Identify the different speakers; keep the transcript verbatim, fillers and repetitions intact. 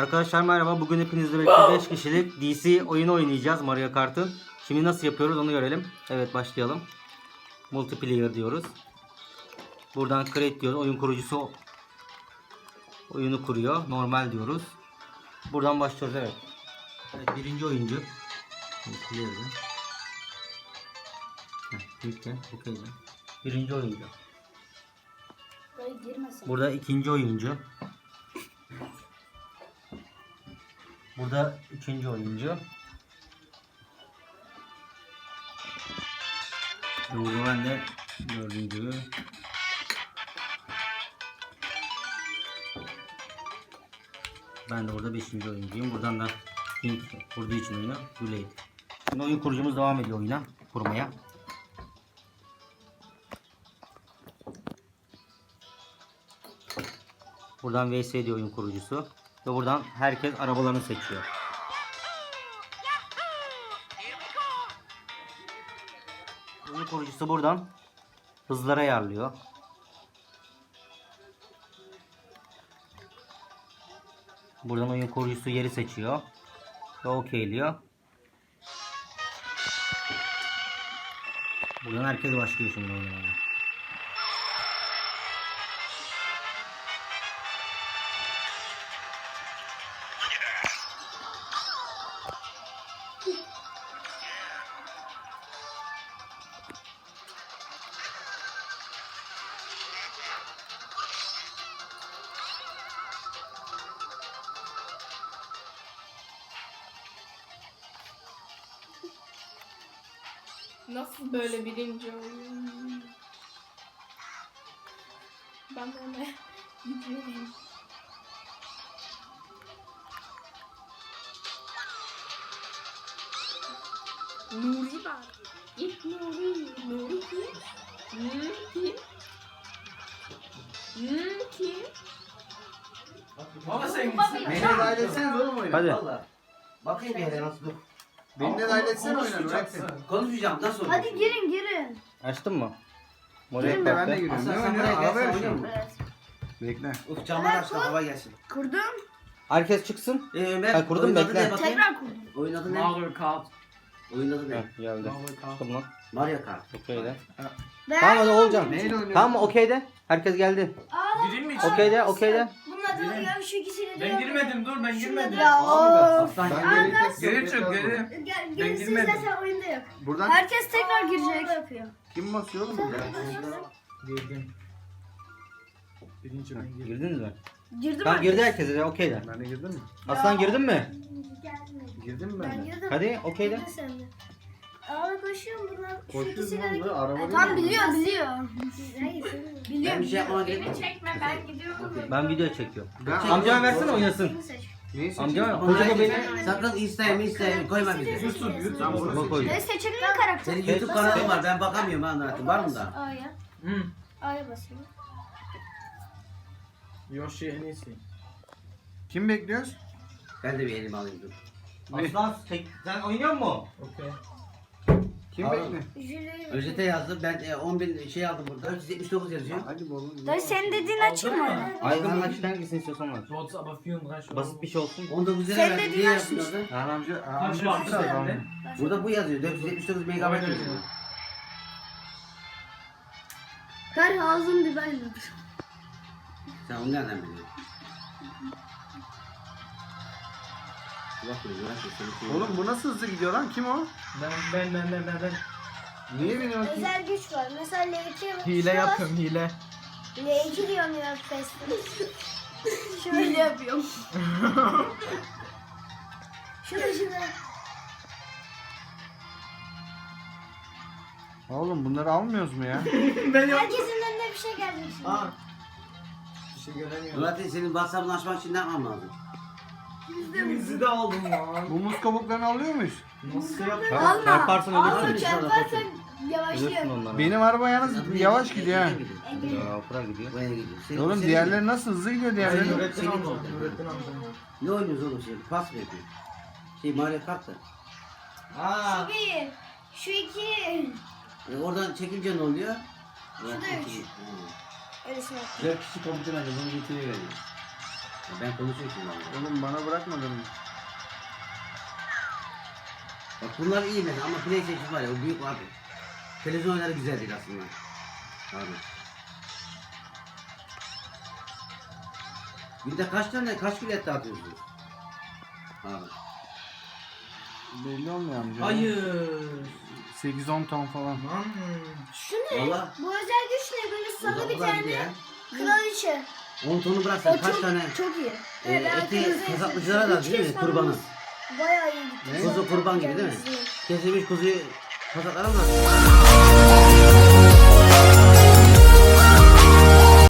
Speaker 1: Arkadaşlar merhaba. Bugün hepinizle birlikte beş kişilik D C oyunu oynayacağız Mario Kart'ın. Şimdi nasıl yapıyoruz onu görelim. Evet, başlayalım. Multiplayer diyoruz. Buradan create diyoruz. Oyun kurucusu oyunu kuruyor. Normal diyoruz. Buradan başlıyoruz. Evet. Evet, birinci oyuncu. Multiplayer'de. Bitti. Okey. Birinci oyuncu. Burada ikinci oyuncu. Burada üçüncü oyuncu. Burada ben de dördüncü. Ben de burada beşinci oyuncuyum. Buradan da ilk kurduğu için oyunu Güley. Şimdi oyun kurucumuz devam ediyor oyuna kurmaya. Buradan V S diyor oyun kurucusu. Ve buradan herkes arabalarını seçiyor. Oyun kurucusu buradan hızlara ayarlıyor. Buradan oyun kurucusu yeri seçiyor. Ve okeyliyor. Buradan herkes başlıyor şimdi oynamaya.
Speaker 2: Nasıl böyle birinci oyun? Ben böyle gidiyorum. Nuri var. İlk Nuri. Nuri kim? Nuri kim? Nuri kim?
Speaker 3: Baba sen
Speaker 2: Baba
Speaker 3: gitsin.
Speaker 2: ya.
Speaker 3: Beni de dahil etseniz oğlum oyuna.
Speaker 1: Hadi.
Speaker 3: Valla. Bakayım bir yere nasıl dur.
Speaker 4: Beni de dahil etsene oyuna.
Speaker 3: Konuşmayacaksın. Konuşmayacağım nasıl olur?
Speaker 5: Hadi girin girin.
Speaker 1: Açtın mı? Mario
Speaker 4: Girin de ben de
Speaker 1: Kart'ta.
Speaker 4: giriyorum.
Speaker 3: Aslan
Speaker 4: Ne
Speaker 3: sen
Speaker 4: oynuyor?
Speaker 3: buraya
Speaker 4: Araba
Speaker 3: gelsen
Speaker 4: yarışı
Speaker 3: oynuyor
Speaker 4: mı?
Speaker 3: mu?
Speaker 5: Evet.
Speaker 4: Bekle.
Speaker 3: Uf camlar açtı hava gelsin.
Speaker 5: Kurdum.
Speaker 1: Herkes çıksın.
Speaker 3: Ee Ömer
Speaker 1: Ha, kurdum,
Speaker 3: oyun adı
Speaker 1: bekle.
Speaker 3: ne bakayım?
Speaker 5: Tekrar kurdum.
Speaker 3: Oyun adı ne?
Speaker 6: Mario Kart.
Speaker 3: Oyun adı ne?
Speaker 1: Heh, geldi. Çıktım lan.
Speaker 3: Mario Kart.
Speaker 1: Okeyde.
Speaker 5: Ben
Speaker 1: Tamam hadi olacağım.
Speaker 4: Neyle oynuyor?
Speaker 1: Tamam mı? Okeyde. Herkes geldi.
Speaker 6: Gireyim mi içeri?
Speaker 1: Okeyde, okeyde.
Speaker 5: Bunun adı
Speaker 6: Girin.
Speaker 5: ya şu ikisini de.
Speaker 6: Ben girmedim dur ben
Speaker 5: Şunu
Speaker 6: girmedim.
Speaker 5: da- Ya of.
Speaker 3: Aslan
Speaker 4: Ben
Speaker 3: gel.
Speaker 4: geri tek
Speaker 6: Geri
Speaker 4: yok,
Speaker 6: çık
Speaker 4: yeter bu.
Speaker 6: geri.
Speaker 5: Gel,
Speaker 6: Ben
Speaker 5: gerisi
Speaker 6: girmedim.
Speaker 5: zaten oyunda yok.
Speaker 4: Buradan
Speaker 5: Herkes tekrar girecek. Yapıyor.
Speaker 4: kim basıyor oğlum burada?
Speaker 6: Girdim. Birinci ben girdim.
Speaker 1: Girdiniz mi?
Speaker 5: Girdim
Speaker 1: Tamam,
Speaker 5: mi?
Speaker 1: girdi herkes de. Okeyde.
Speaker 4: Ben de girdim mi?
Speaker 1: Aslan girdin mi?
Speaker 5: Gelmedi.
Speaker 4: Girdim mi
Speaker 5: Ben
Speaker 4: ben de?
Speaker 5: girdim.
Speaker 1: Hadi okeyde.
Speaker 5: Girdin sen de. Abi koşuyorum bunlar. Şu
Speaker 4: Koşuyoruz
Speaker 5: ikisini
Speaker 4: lan
Speaker 5: de.
Speaker 4: da araba
Speaker 5: E,
Speaker 4: değil
Speaker 5: Tam
Speaker 4: mi?
Speaker 5: biliyor biliyor. Hayır, biliyor.
Speaker 3: Ben bir şey yapmama gerek yok.
Speaker 2: Çekme ben gidiyorum.
Speaker 1: Ben video çekiyorum.
Speaker 4: Ben
Speaker 1: Amcama versene oynasın.
Speaker 5: Bunu seç.
Speaker 4: Neyi seçeyim?
Speaker 1: Amcama
Speaker 3: Ama
Speaker 1: koca
Speaker 3: hayır,
Speaker 1: beni.
Speaker 3: sakın isteyeyim isteyeyim koyma bizi.
Speaker 4: YouTube, YouTube.
Speaker 1: Bak koy.
Speaker 5: Ne seçelim mi karakter?
Speaker 3: Senin YouTube kanalın var ben bakamıyorum ha anlatayım. Var mı da?
Speaker 5: A'ya.
Speaker 6: Hı.
Speaker 5: A'ya basayım.
Speaker 6: Yoshi en iyisi.
Speaker 4: Kim bekliyoruz?
Speaker 3: Ben de bir elime alayım dur.
Speaker 1: Aslan tek- sen oynuyor musun?
Speaker 6: Okey.
Speaker 4: Kim
Speaker 3: Abi.
Speaker 4: bekliyor?
Speaker 5: Jüri.
Speaker 3: Özete yazdım ben e, on bin şey aldım burada. dört yüz yetmiş dokuz yazıyor.
Speaker 4: Hadi oğlum.
Speaker 5: Dayı senin dediğin açık mı?
Speaker 1: Aygın hangisini hangisini istiyorsan var.
Speaker 6: Du hast aber vierunddreißig Euro.
Speaker 1: Basit bir şey olsun.
Speaker 3: on dokuz lira
Speaker 5: Sen
Speaker 3: verdim.
Speaker 5: dediğin
Speaker 3: Niye
Speaker 5: açmış.
Speaker 3: yapıyorsun orada?
Speaker 4: Erhan amca, Erhan
Speaker 6: Kaç
Speaker 4: amca
Speaker 6: varmış
Speaker 4: tutar
Speaker 6: sende?
Speaker 4: adam.
Speaker 3: Burada bu yazıyor. dört yüz yetmiş dokuz megabayt
Speaker 6: Aynen
Speaker 3: yazıyor.
Speaker 6: öyle.
Speaker 5: Her ağzım bir ben
Speaker 3: Sen onu nereden biliyorsun? Bak bunu bırak da seni
Speaker 4: Oğlum bu nasıl hızlı gidiyor lan? Kim o?
Speaker 6: Ben ben ben ben ben ben.
Speaker 4: Niye biniyor ki?
Speaker 5: Özel güç var. Mesela L iki
Speaker 6: Hile yapıyorum hile.
Speaker 5: L iki diyorum ya Fast'ı. Şöyle yapıyorum. Şurada şurada.
Speaker 4: Oğlum bunları almıyoruz mu ya?
Speaker 6: Ben yaptım.
Speaker 5: Herkesin önüne bir şey gelecek şimdi.
Speaker 6: Aa. Bir şey göremiyorum.
Speaker 3: Zaten senin WhatsApp'ını açmak için ne yapmam lazım?
Speaker 6: Bizi de aldım lan.
Speaker 4: Bu muz kabuklarını alıyor muyuz?
Speaker 6: Nasıl yaptın?
Speaker 1: Çarp- Çarparsan
Speaker 5: Alma
Speaker 1: ölürsün.
Speaker 5: çarparsan
Speaker 1: Ölürsün
Speaker 5: yavaşlıyor.
Speaker 1: onlara.
Speaker 4: Benim araba yalnız yavaş gidiyor ha.
Speaker 1: Ya, Alpıra gidiyor.
Speaker 3: Buraya gidiyor. Senin-
Speaker 4: Oğlum
Speaker 3: senin-
Speaker 4: diğerleri nasıl hızlı gidiyor
Speaker 6: Sen
Speaker 4: diğerleri?
Speaker 6: Nurettin
Speaker 3: Senin
Speaker 6: amca.
Speaker 3: oldu.
Speaker 6: Nurettin amca.
Speaker 3: Ne oynuyoruz oğlum şimdi? Pas mı yapıyor? Şey Mario Kart da.
Speaker 6: Aa.
Speaker 5: Şu bir, şu iki.
Speaker 3: E, oradan çekince ne oluyor?
Speaker 5: Şu da üç.
Speaker 3: Hı.
Speaker 5: Öylesine.
Speaker 3: Dört kişi komutan alıyor. Bunu getiriyor yani. Ya ben konuşuyorum şimdi ama.
Speaker 4: Oğlum bana bırakmadın mı?
Speaker 3: Bak bunlar iyi mesela ama PlayStation var ya o büyük abi. Televizyon oyunları güzel değil aslında. Abi. Günde kaç tane kaç kilo et dağıtıyorsunuz? Abi.
Speaker 4: Belli olmuyor amca.
Speaker 6: Hayır.
Speaker 4: sekiz on ton falan.
Speaker 6: Lan.
Speaker 5: Şu ne?
Speaker 3: Valla.
Speaker 5: Bu özel güç ne? Böyle
Speaker 3: Bu
Speaker 5: sana
Speaker 3: da
Speaker 5: bir
Speaker 3: o kadar
Speaker 5: tane
Speaker 3: ya.
Speaker 5: kraliçe.
Speaker 3: on tonu
Speaker 5: O
Speaker 3: bıraksan kaç
Speaker 5: çok,
Speaker 3: tane
Speaker 5: çok iyi.
Speaker 3: e,
Speaker 5: Evet,
Speaker 3: eti
Speaker 5: arkadaşlar,
Speaker 3: kasaplıcılara da
Speaker 5: üç
Speaker 3: değil mi?
Speaker 5: kez
Speaker 3: Kurbanı.
Speaker 5: falan bayağı iyi gitti.
Speaker 3: Kuzu kurban gibi değil mi?
Speaker 5: Güzel.
Speaker 3: Kesilmiş kuzuyu kasaplara mı bıraksın?